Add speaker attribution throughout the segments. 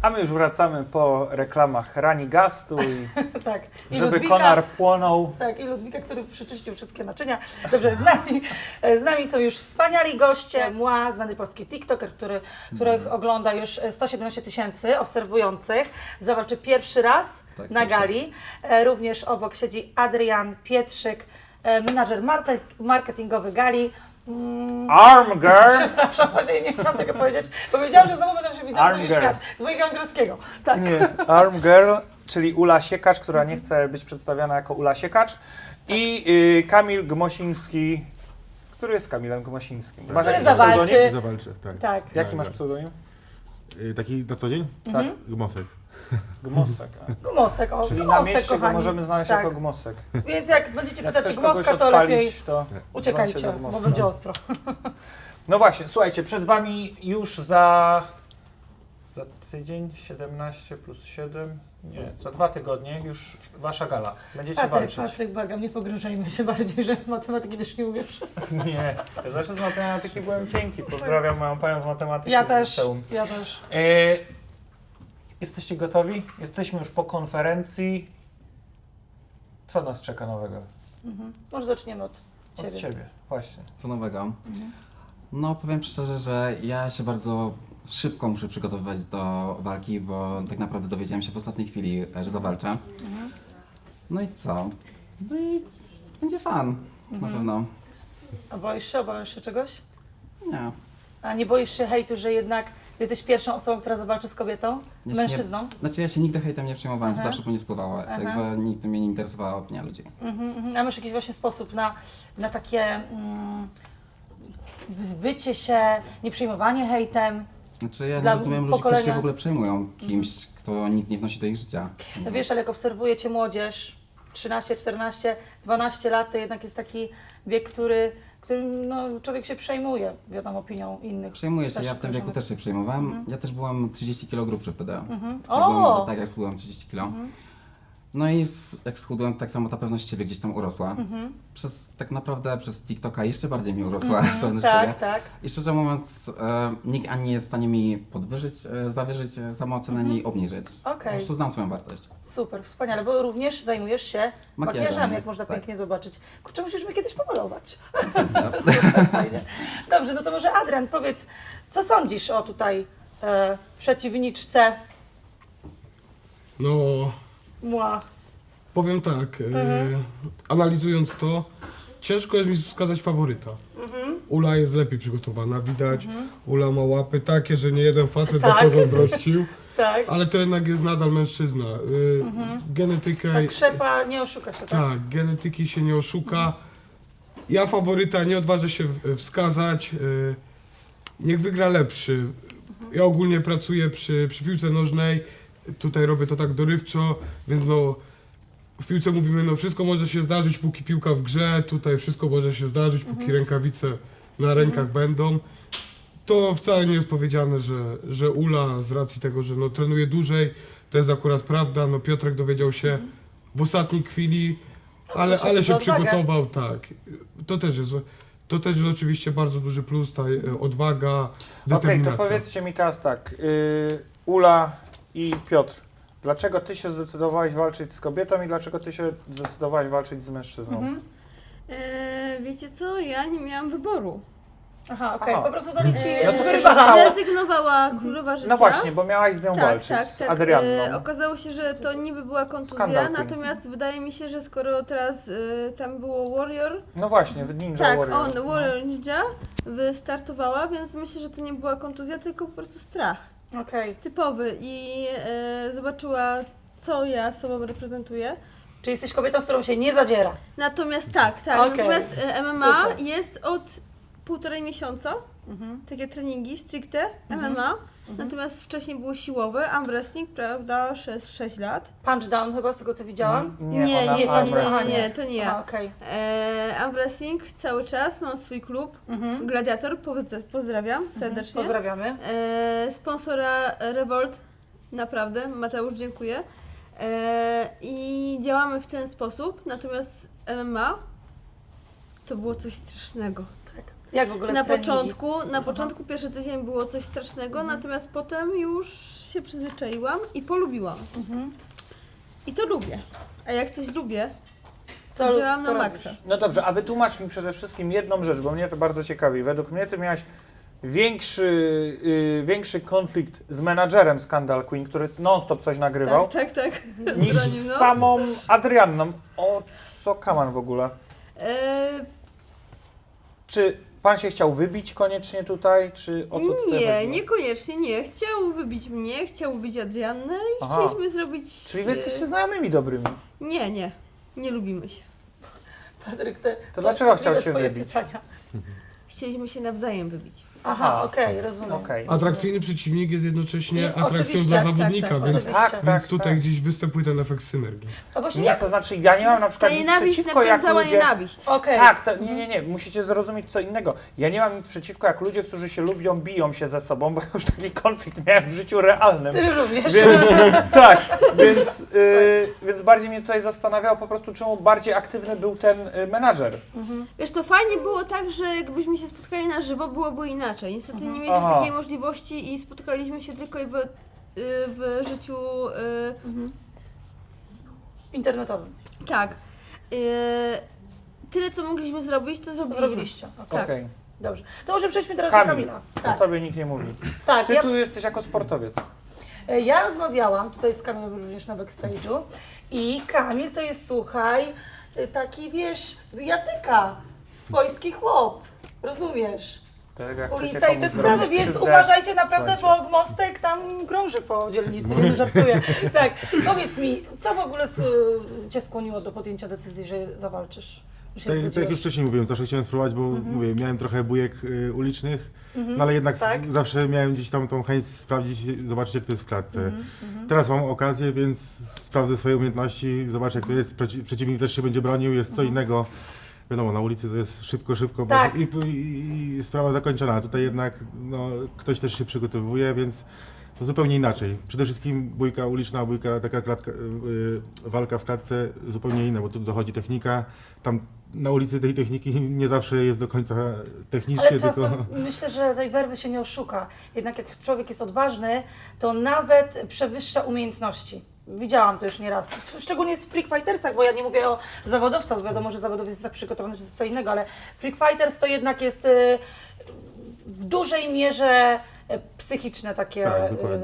Speaker 1: A my już wracamy po reklamach Ranigastu i
Speaker 2: Tak. I
Speaker 1: żeby
Speaker 2: Ludwika,
Speaker 1: konar płonął.
Speaker 2: Tak, i Ludwika, który przyczyścił wszystkie naczynia. Dobrze, z nami są już wspaniali goście. Mła, znany polski TikToker, których ogląda już 117 000 obserwujących. Zawalczy pierwszy raz na gali. Również obok siedzi Adrian Pietrzyk, menadżer marketingowy gali.
Speaker 1: Arm girl!
Speaker 2: Przepraszam, właśnie nie chciałam tego powiedzieć, bo wiedziałam, że znowu będę się widzieć
Speaker 1: Arm
Speaker 2: sobie
Speaker 1: girl.
Speaker 2: śmiać z mojego angielskiego. Tak.
Speaker 1: Nie, Arm girl, czyli Ula Siekacz, która nie chce być przedstawiana jako Ula Siekacz. I Kamil Gmosiński, który jest Kamilem Gmosińskim. Masz
Speaker 2: Który
Speaker 1: jakiś
Speaker 2: zawalczy.
Speaker 1: pseudonim?
Speaker 3: Zawalczę, tak.
Speaker 2: Tak.
Speaker 1: Jaki masz pseudonim?
Speaker 3: Taki na co dzień?
Speaker 1: Tak.
Speaker 3: Gmosek.
Speaker 1: Gmosek.
Speaker 2: Gmosek, o,
Speaker 1: Czyli na
Speaker 2: Gmosek,
Speaker 1: mieście go
Speaker 2: kochani.
Speaker 1: możemy znaleźć
Speaker 2: Tak.
Speaker 1: jako Gmosek.
Speaker 2: Więc jak będziecie
Speaker 1: Jak
Speaker 2: pytać o
Speaker 1: chcesz kogoś
Speaker 2: Gmoska, to lepiej
Speaker 1: odpalić, to dzwoń się
Speaker 2: uciekajcie,
Speaker 1: do
Speaker 2: bo
Speaker 1: Gmoska.
Speaker 2: będzie ostro.
Speaker 1: No właśnie, słuchajcie, przed Wami już za tydzień, 17 plus 7, nie, za 2 tygodnie już Wasza gala. Będziecie walczyć.
Speaker 2: Patryk, błagam, nie pogrążajmy się bardziej, że matematyki też nie umiesz.
Speaker 1: Nie, ja zawsze z matematyki byłem cienki. Pozdrawiam moją panią z matematyki.
Speaker 2: Ja
Speaker 1: z
Speaker 2: też,
Speaker 1: liceum.
Speaker 2: ja też.
Speaker 1: Jesteście gotowi? Jesteśmy już po konferencji. Co nas czeka nowego?
Speaker 2: Może zaczniemy od
Speaker 1: Od
Speaker 2: Ciebie.
Speaker 1: Ciebie, właśnie.
Speaker 4: Co nowego? No powiem szczerze, że ja się bardzo szybko muszę przygotowywać do walki, bo tak naprawdę dowiedziałem się w ostatniej chwili, że zawalczę. No i co? No i będzie fan, na pewno.
Speaker 2: A obawiasz się czegoś?
Speaker 4: Nie.
Speaker 2: A nie boisz się hejtu, że jednak jesteś pierwszą osobą, która zawalczy z kobietą?
Speaker 4: Ja się
Speaker 2: Mężczyzną?
Speaker 4: Znaczy ja się nigdy hejtem nie przejmowałem, to
Speaker 2: Aha.
Speaker 4: zawsze po mnie spływało.
Speaker 2: Aha.
Speaker 4: Jakby nigdy mnie nie interesowała opinia ludzi.
Speaker 2: A masz jakiś właśnie sposób na takie wzbycie się, nieprzejmowanie hejtem?
Speaker 4: Znaczy ja
Speaker 2: Dla
Speaker 4: nie rozumiem ludzi, którzy
Speaker 2: pokolenia.
Speaker 4: się w ogóle przejmują kimś, kto nic nie wnosi do ich życia.
Speaker 2: No wiesz, ale jak obserwuję Cię młodzież, 13, 14, 12 lat, to jednak jest taki wiek, którym no, człowiek się przejmuje, wiadomo, opinią innych.
Speaker 4: Przejmuję się, ja
Speaker 2: starszych
Speaker 4: w tym wieku
Speaker 2: koleżanek.
Speaker 4: też się przejmowałem. Ja też byłem 30 kg grubszy wtedy. Jak
Speaker 2: O!
Speaker 4: byłem, tak jak schudłem 30 kg. No i jak schudłem, tak samo ta pewność siebie gdzieś tam urosła. Tak naprawdę przez TikToka jeszcze bardziej mi urosła pewność siebie.
Speaker 2: Tak, tak.
Speaker 4: I szczerze mówiąc, nikt ani nie jest w stanie mi podwyżyć, zawyżyć samoocenę, ani obniżyć. Po
Speaker 2: Okej.
Speaker 4: prostu znam swoją wartość.
Speaker 2: Super, wspaniale, bo również zajmujesz się
Speaker 4: Makijażem,
Speaker 2: makijażami, jak można
Speaker 4: tak.
Speaker 2: pięknie zobaczyć. Kurczę, musisz mnie kiedyś pomalować. Super, fajnie. Dobrze, no to może Adrian, powiedz, co sądzisz o tutaj przeciwniczce
Speaker 5: No,
Speaker 2: Mła?
Speaker 5: powiem tak, analizując to, ciężko jest mi wskazać faworyta. Ula jest lepiej przygotowana, widać, Ula ma łapy takie, że nie jeden facet
Speaker 2: Tak.
Speaker 5: tak. pozazdrościł,
Speaker 2: Tak.
Speaker 5: ale to jednak jest nadal mężczyzna. Genetykę,
Speaker 2: Tak, krzepa nie oszuka się, tak?
Speaker 5: tak, genetyki się nie oszuka. Ja faworyta nie odważę się wskazać, niech wygra lepszy. Ja ogólnie pracuję przy piłce nożnej, tutaj robię to tak dorywczo, więc no w piłce mówimy, no wszystko może się zdarzyć, póki piłka w grze, tutaj wszystko może się zdarzyć, póki rękawice na rękach będą. To wcale nie jest powiedziane, że Ula z racji tego, że no, trenuje dłużej, to jest akurat prawda, no Piotrek dowiedział się w ostatniej chwili, ale
Speaker 2: za
Speaker 5: się
Speaker 2: odwagę.
Speaker 5: przygotował, tak. To też jest oczywiście bardzo duży plus, ta odwaga,
Speaker 1: Okej,
Speaker 5: determinacja.
Speaker 1: to powiedzcie mi teraz tak, Ula i Piotr, dlaczego Ty się zdecydowałeś walczyć z kobietą i dlaczego Ty się zdecydowałeś walczyć z mężczyzną?
Speaker 6: Wiecie co, ja nie miałam wyboru.
Speaker 2: Aha, okej,
Speaker 1: Aha.
Speaker 2: po prostu to liczy
Speaker 1: No to też
Speaker 2: ryba.
Speaker 6: Zrezygnowała królowa życia.
Speaker 1: No właśnie, bo miałaś z nią
Speaker 6: Tak,
Speaker 1: walczyć,
Speaker 6: tak,
Speaker 1: z
Speaker 6: tak.
Speaker 1: Adrianną.
Speaker 6: Okazało się, że to niby była kontuzja,
Speaker 1: Skandal ten.
Speaker 6: natomiast wydaje mi się, że skoro teraz tam było Warrior,
Speaker 1: No właśnie, w Ninja
Speaker 6: tak,
Speaker 1: Warrior.
Speaker 6: Warrior Ninja wystartowała, więc myślę, że to nie była kontuzja, tylko po prostu strach.
Speaker 2: Okej,
Speaker 6: Typowy i zobaczyła, co ja sobą reprezentuję.
Speaker 2: czyli jesteś kobietą, z którą się nie zadziera.
Speaker 6: Natomiast tak,
Speaker 2: Okej.
Speaker 6: natomiast MMA
Speaker 2: Super.
Speaker 6: jest od 1,5 miesiąca, takie treningi stricte MMA, natomiast wcześniej było siłowe, arm wrestling, prawda, 6 lat.
Speaker 2: Punchdown chyba, z tego co widziałam.
Speaker 6: Nie,
Speaker 1: ona arm wrestling.
Speaker 6: to nie
Speaker 2: Aha,
Speaker 6: ja.
Speaker 2: okej.
Speaker 6: Arm wrestling cały czas, mam swój klub, Gladiator, pozdrawiam serdecznie.
Speaker 2: Pozdrawiamy.
Speaker 6: Sponsora Revolt, naprawdę, Mateusz, dziękuję. I działamy w ten sposób, natomiast MMA to było coś strasznego.
Speaker 2: Tak. Jak w ogóle
Speaker 6: Na
Speaker 2: treningi?
Speaker 6: początku pierwszy tydzień było coś strasznego, natomiast potem już się przyzwyczaiłam i polubiłam. I to lubię. A jak coś lubię, to działam na
Speaker 2: robisz.
Speaker 6: maksa.
Speaker 1: No dobrze, a wytłumacz mi przede wszystkim jedną rzecz, bo mnie to bardzo ciekawi. Według mnie ty miałaś większy konflikt z menadżerem Skandal Queen, który non-stop coś nagrywał,
Speaker 6: Tak.
Speaker 1: niż
Speaker 6: Z nim,
Speaker 1: z
Speaker 6: no.
Speaker 1: samą Adrianną. O co kaman w ogóle? Czy pan się chciał wybić koniecznie tutaj, czy o co tutaj
Speaker 6: Nie,
Speaker 1: chodziło?
Speaker 6: niekoniecznie nie. Chciał wybić mnie, chciał wybić Adriannę i
Speaker 1: Aha.
Speaker 6: chcieliśmy zrobić...
Speaker 1: Czyli wy jesteście znajomymi dobrymi.
Speaker 6: Nie lubimy się.
Speaker 2: Patryk,
Speaker 1: To dlaczego chciał
Speaker 2: ile
Speaker 1: cię
Speaker 2: twoje
Speaker 1: wybić?
Speaker 2: pytania?
Speaker 6: Chcieliśmy się nawzajem wybić.
Speaker 2: Aha, okej, rozumiem.
Speaker 1: Okej.
Speaker 5: Atrakcyjny przeciwnik jest jednocześnie
Speaker 2: Nie,
Speaker 5: atrakcją
Speaker 2: oczywiście,
Speaker 5: dla
Speaker 6: tak,
Speaker 5: zawodnika,
Speaker 6: tak,
Speaker 5: więc,
Speaker 2: oczywiście.
Speaker 1: Tak,
Speaker 5: więc tutaj gdzieś występuje ten efekt synergii.
Speaker 2: A właśnie
Speaker 1: Nie,
Speaker 2: jak...
Speaker 1: to znaczy ja nie mam na
Speaker 6: Ta
Speaker 1: przykład nic
Speaker 6: nienawiść
Speaker 1: przeciwko, jak
Speaker 6: napędzała
Speaker 1: ludzie...
Speaker 6: nienawiść.
Speaker 2: Okej.
Speaker 1: Tak, nie, musicie zrozumieć co innego. Ja nie mam nic przeciwko, jak ludzie, którzy się lubią, biją się ze sobą, bo już taki konflikt miałem w życiu realnym.
Speaker 2: Ty również.
Speaker 1: Więc, tak, więc bardziej mnie tutaj zastanawiało po prostu, czemu bardziej aktywny był ten menadżer.
Speaker 6: Wiesz co, fajnie było tak, że jakbyśmy się spotkali na żywo, byłoby inaczej. Niestety nie mieliśmy
Speaker 1: Aha.
Speaker 6: takiej możliwości i spotkaliśmy się tylko w życiu...
Speaker 2: Internetowym.
Speaker 6: tak. Tyle, co mogliśmy zrobić, to zrobiliśmy.
Speaker 2: Zrobiliście. Okej.
Speaker 6: Tak.
Speaker 1: Okej.
Speaker 2: Dobrze. To może przejdźmy teraz
Speaker 1: Kamil,
Speaker 2: do Kamila.
Speaker 1: o
Speaker 2: Tak,
Speaker 1: tobie nikt nie mówi.
Speaker 2: tak.
Speaker 1: Ty tu jesteś jako sportowiec.
Speaker 2: Ja rozmawiałam tutaj z Kamilem również na backstage'u i Kamil to jest, słuchaj, taki, wiesz, jatyka, swojski chłop, rozumiesz?
Speaker 1: Tak, jak
Speaker 2: Ulica
Speaker 1: chcecie
Speaker 2: i te
Speaker 1: komuś
Speaker 2: sprawy,
Speaker 1: zrobić
Speaker 2: więc
Speaker 1: krzywdę,
Speaker 2: uważajcie naprawdę,
Speaker 1: słuchajcie.
Speaker 2: bo mostek tam krąży po dzielnicy, nie żartuję. Tak, powiedz mi, co w ogóle Cię skłoniło do podjęcia decyzji, że zawalczysz? Że się
Speaker 3: Tak jak
Speaker 2: zgodziłeś?
Speaker 3: już wcześniej mówiłem, zawsze chciałem spróbować, bo mówię, miałem trochę bujek ulicznych, no ale jednak
Speaker 2: tak.
Speaker 3: zawsze miałem gdzieś tam tą chęć sprawdzić, zobaczyć jak to jest w klatce. Teraz mam okazję, więc sprawdzę swoje umiejętności, zobaczę jak to jest, przeciwnik też się będzie bronił, jest co innego. Wiadomo, na ulicy to jest szybko,
Speaker 2: Tak.
Speaker 3: bo i sprawa zakończona, a tutaj jednak no, ktoś też się przygotowuje, więc to zupełnie inaczej. Przede wszystkim bójka uliczna, bójka, taka klatka, walka w klatce zupełnie inna, bo tu dochodzi technika. Tam na ulicy tej techniki nie zawsze jest do końca technicznie,
Speaker 2: Ale czasem
Speaker 3: tylko...
Speaker 2: myślę, że tej werwy się nie oszuka. Jednak jak człowiek jest odważny, to nawet przewyższa umiejętności. Widziałam to już nieraz, szczególnie w Freak Fightersach, bo ja nie mówię o zawodowcach, bo wiadomo, że zawodowiec jest tak przygotowany, że to co innego, ale Freak Fighters to jednak jest w dużej mierze psychiczne takie
Speaker 3: Tak, dokładnie.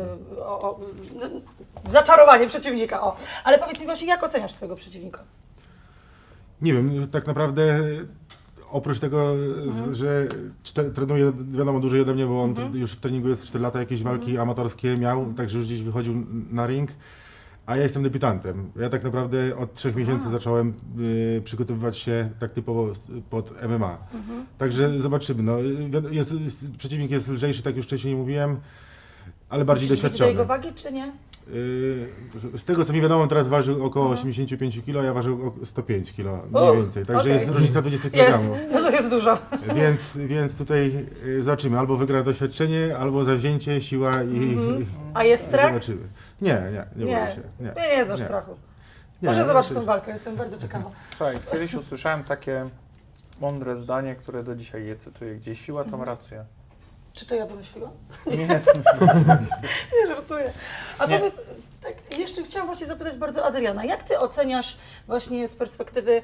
Speaker 2: zaczarowanie przeciwnika. O. Ale powiedz mi właśnie, jak oceniasz swojego przeciwnika?
Speaker 3: Nie wiem, tak naprawdę oprócz tego, że trenuje wiadomo dłużej ode mnie, bo on już w treningu jest 4 lata, jakieś walki amatorskie miał, także już gdzieś wychodził na ring, a ja jestem debiutantem. Ja tak naprawdę od 3 miesięcy zacząłem przygotowywać się tak typowo pod MMA. Także zobaczymy. No, przeciwnik jest lżejszy, tak już wcześniej mówiłem, ale bardziej
Speaker 2: Myślisz, że
Speaker 3: doświadczony.
Speaker 2: do jego wagi, czy nie?
Speaker 3: Z tego co mi wiadomo, teraz ważył około 85 kg, ja ważył 105 kg
Speaker 2: O,
Speaker 3: mniej więcej, także
Speaker 2: okej.
Speaker 3: jest różnica 20
Speaker 2: Jest,
Speaker 3: kg.
Speaker 2: no to jest dużo.
Speaker 3: Więc tutaj zobaczymy, albo wygra doświadczenie, albo zawzięcie, siła i
Speaker 2: A jest strach?
Speaker 3: zobaczymy. Nie boję się.
Speaker 2: Nie znasz strachu.
Speaker 3: Nie,
Speaker 2: Może zobaczyć
Speaker 3: znaczy-
Speaker 2: tą walkę, jestem bardzo ciekawa.
Speaker 1: Słuchaj, kiedyś usłyszałem takie mądre zdanie, które do dzisiaj je cytuję. Gdzie siła, tam racja.
Speaker 2: Czy to ja wymyśliłam?
Speaker 1: Nie, to
Speaker 2: Nie, żartuję. A
Speaker 1: Nie.
Speaker 2: powiedz, tak, jeszcze chciałam właśnie zapytać bardzo Adriana, jak Ty oceniasz właśnie z perspektywy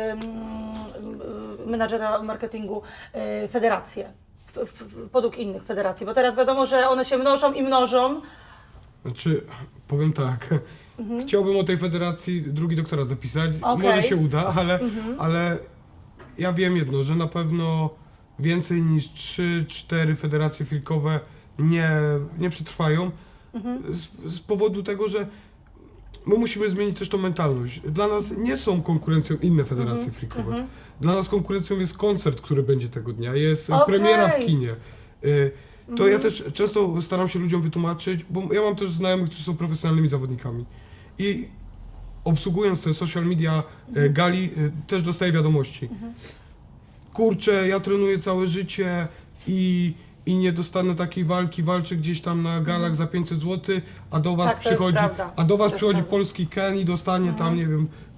Speaker 2: menadżera marketingu federacje, podług innych federacji? Bo teraz wiadomo, że one się mnożą i mnożą.
Speaker 5: Znaczy, powiem tak, chciałbym o tej federacji drugi doktorat napisać,
Speaker 2: Okej.
Speaker 5: może się uda, ale ja wiem jedno, że na pewno więcej niż 3-4 federacje freakowe nie przetrwają z powodu tego, że my musimy zmienić też tą mentalność. Dla nas nie są konkurencją inne federacje freakowe. Dla nas konkurencją jest koncert, który będzie tego dnia, jest
Speaker 2: Okej.
Speaker 5: premiera w kinie. To ja też często staram się ludziom wytłumaczyć, bo ja mam też znajomych, którzy są profesjonalnymi zawodnikami i obsługując te social media gali też dostaję wiadomości. Kurczę, ja trenuję całe życie i nie dostanę takiej walki, walczę gdzieś tam na galach za 500 zł, a do was
Speaker 2: Tak, to jest
Speaker 5: przychodzi,
Speaker 2: prawda.
Speaker 5: a do was
Speaker 2: To jest
Speaker 5: przychodzi
Speaker 2: prawda.
Speaker 5: polski Ken i dostanie tam, nie wiem,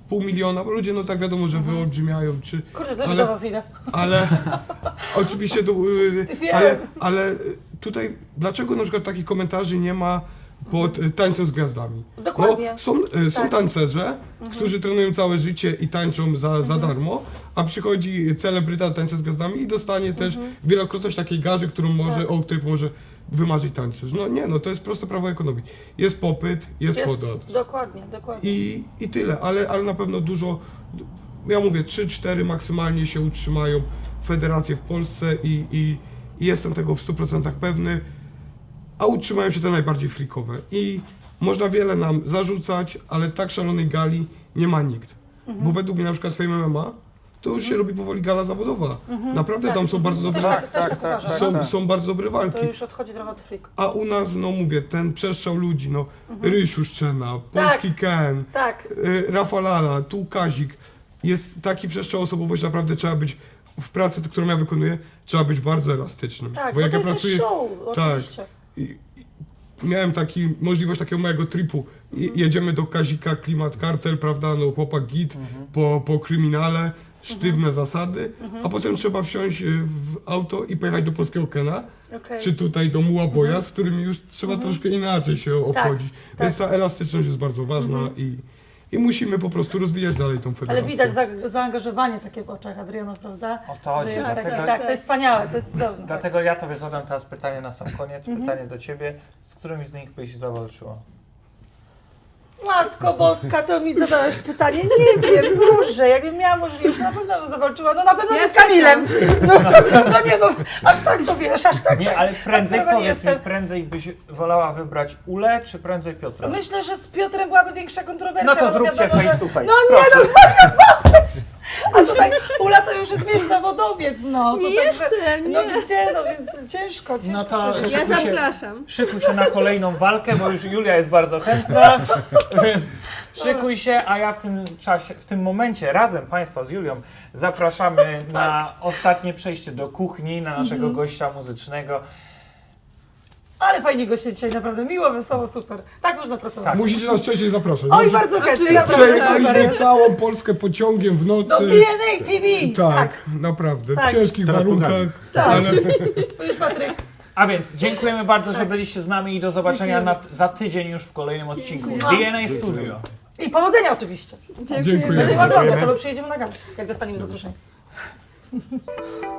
Speaker 5: 500 000, bo ludzie no tak wiadomo, że wyolbrzymiają, czy...
Speaker 2: Kurde, też
Speaker 5: ale-
Speaker 2: do was idę.
Speaker 5: Ale oczywiście to,
Speaker 2: Wiem.
Speaker 5: ale tutaj dlaczego na przykład takich komentarzy nie ma pod tańcem z gwiazdami?
Speaker 2: Dokładnie.
Speaker 5: No, są
Speaker 2: Tak.
Speaker 5: tancerze, którzy trenują całe życie i tańczą za darmo, a przychodzi celebryta tańca z gwiazdami i dostanie też wielokrotność takiej garzy, o której może wymarzyć tańcerz. No nie, no to jest proste prawo ekonomii. Jest popyt, jest podaż.
Speaker 2: Dokładnie.
Speaker 5: I tyle, ale na pewno dużo, ja mówię 3-4 maksymalnie się utrzymają federacje w Polsce i jestem tego w 100% pewny, a utrzymają się te najbardziej freakowe. I można wiele nam zarzucać, ale tak szalonej gali nie ma nikt. Bo według mnie na przykład Fame MMA to już się robi powoli gala zawodowa. Naprawdę tam są bardzo dobre,
Speaker 2: Też tak uważam.
Speaker 5: są bardzo dobre walki.
Speaker 2: To już odchodzi trochę od freak.
Speaker 5: A u nas, no mówię, ten przestrzał ludzi, no Rysiu Szczena, Polski Ken,
Speaker 2: Tak.
Speaker 5: Rafa Lala, tu Kazik. Jest taki przestrzał osobowości, naprawdę trzeba być w pracy, którą ja wykonuję, trzeba być bardzo elastycznym.
Speaker 2: Tak,
Speaker 5: Bo jak
Speaker 2: to
Speaker 5: ja
Speaker 2: jest
Speaker 5: pracuję,
Speaker 2: też show, oczywiście.
Speaker 5: miałem możliwość takiego mojego tripu. Jedziemy do Kazika, Klimat Kartel, prawda, no chłopak git, po kryminale, sztywne zasady, a potem trzeba wsiąść w auto i pojechać do polskiego Kena,
Speaker 2: Okej.
Speaker 5: czy tutaj do Muła Boja, z którym już trzeba troszkę inaczej się obchodzić. Więc ta elastyczność jest bardzo ważna i musimy po prostu rozwijać dalej tą federację.
Speaker 2: Ale widać zaangażowanie takie w oczach Adriana, prawda?
Speaker 1: O to chodzi.
Speaker 2: Że jest
Speaker 1: Dlatego,
Speaker 2: taki, tak, to jest wspaniałe, to jest cudowne.
Speaker 1: dlatego ja tobie zadam teraz pytanie na sam koniec, pytanie do ciebie. Z którymś z nich byś zawalczyła?
Speaker 2: Matko Boska, to mi zadałeś pytanie. Nie wiem, Boże, jakbym miała możliwość, na pewno bym zawalczyła. No na pewno
Speaker 6: Ja
Speaker 2: nie z Kamilem. No nie no, aż tak to wiesz, aż tak.
Speaker 1: Nie, ale prędzej
Speaker 2: pewno nie
Speaker 1: powiedz mi,
Speaker 2: jestem.
Speaker 1: prędzej byś wolała wybrać Ulę, czy prędzej Piotra?
Speaker 2: Myślę, że z Piotrem byłaby większa kontrowersja.
Speaker 1: No to
Speaker 2: bo
Speaker 1: zróbcie
Speaker 2: wiadomo, że-
Speaker 1: face to face.
Speaker 2: No nie,
Speaker 1: proszę.
Speaker 2: no zwariowałeś! A tutaj Ula to już jest wiesz, zawodowiec, no.
Speaker 6: Nie
Speaker 2: To także-
Speaker 6: jestem,
Speaker 2: No
Speaker 6: nie.
Speaker 2: gdzie, no więc ciężko.
Speaker 1: No to
Speaker 2: powiedzieć.
Speaker 6: Ja
Speaker 1: Szykuj się.
Speaker 6: zapraszam.
Speaker 1: Szykuj się na kolejną walkę, bo już Julia jest bardzo chętna, więc szykuj się, a ja w tym czasie, w tym momencie razem Państwa z Julią zapraszamy na ostatnie przejście do kuchni, na naszego gościa muzycznego.
Speaker 2: Ale fajnie go się dzisiaj, naprawdę miło, wesoło, super. Tak można pracować.
Speaker 1: Tak.
Speaker 5: Musicie nas częściej zapraszać.
Speaker 2: Oj,
Speaker 5: Dobrze?
Speaker 2: bardzo chętnie,
Speaker 6: Oczywiście.
Speaker 2: naprawdę super
Speaker 5: Przejechaliśmy
Speaker 2: jest.
Speaker 5: całą Polskę pociągiem w nocy.
Speaker 2: Do DNA TV!
Speaker 5: Tak, naprawdę,
Speaker 2: Tak.
Speaker 5: w ciężkich
Speaker 3: Teraz
Speaker 5: warunkach,
Speaker 2: Tak.
Speaker 5: ale
Speaker 2: To już Patryk.
Speaker 1: A więc dziękujemy bardzo, że byliście z nami i do zobaczenia za tydzień już w kolejnym odcinku DNA Studio.
Speaker 2: I powodzenia oczywiście.
Speaker 5: dziękuję.
Speaker 2: Będziemy oglądać, albo przyjedziemy na galę, jak dostaniemy zaproszenie.